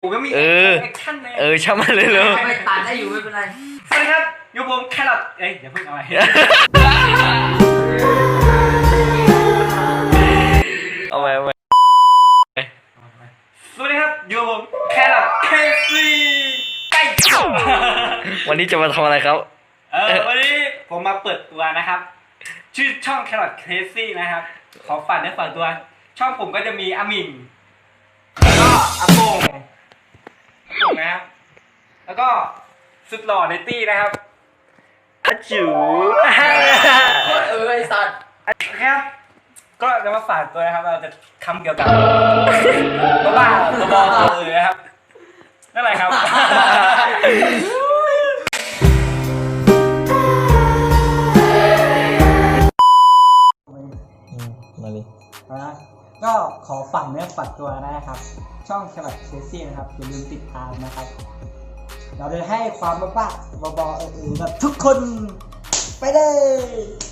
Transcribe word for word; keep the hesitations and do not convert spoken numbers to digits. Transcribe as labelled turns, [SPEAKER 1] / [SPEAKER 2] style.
[SPEAKER 1] ผมก็มี
[SPEAKER 2] เออ
[SPEAKER 1] แอคชั่นเลย
[SPEAKER 2] เออช่างมันเลยเลย
[SPEAKER 3] ไม่ตัดได้อยู่ไม่เป็นไร
[SPEAKER 1] สวัสดีครับอยู่ผมแครอทเอ้ยเดี๋ยวเพิ่งเอาไป
[SPEAKER 2] เอาไปเอาไป
[SPEAKER 1] สวัสดีครับอยู่ผมแครอทเคซีไก่
[SPEAKER 2] วันนี้จะมาทำอะไรครับ
[SPEAKER 1] เออวันนี้ผมมาเปิดตัวนะครับ ชื่อช่องแครอทเคซีนะครับขอฝากเนื้อฝากตัว ช่องผมก็จะมีอามิงแล้วก็อาโปงอาโปงนะครับ แล้วก็สุดหล่อในตี้นะครับ
[SPEAKER 2] อาจู
[SPEAKER 3] เออไอสัตว์
[SPEAKER 1] ครับก็จะมาฝากตัวนะครับเราจะคำเกี่ยวกับบ้าๆบอๆตัวเลยนะครับนั่นแหละครับ
[SPEAKER 2] มาดิ
[SPEAKER 4] นะก็ขอฝากเนื้อฝากตัวนะครับ ช่องแครอทเคซี่นะครับอย่าลืมติดตามนะครับ เราจะให้ความบ้าๆบอๆเออๆแบบทุกคนไปเลย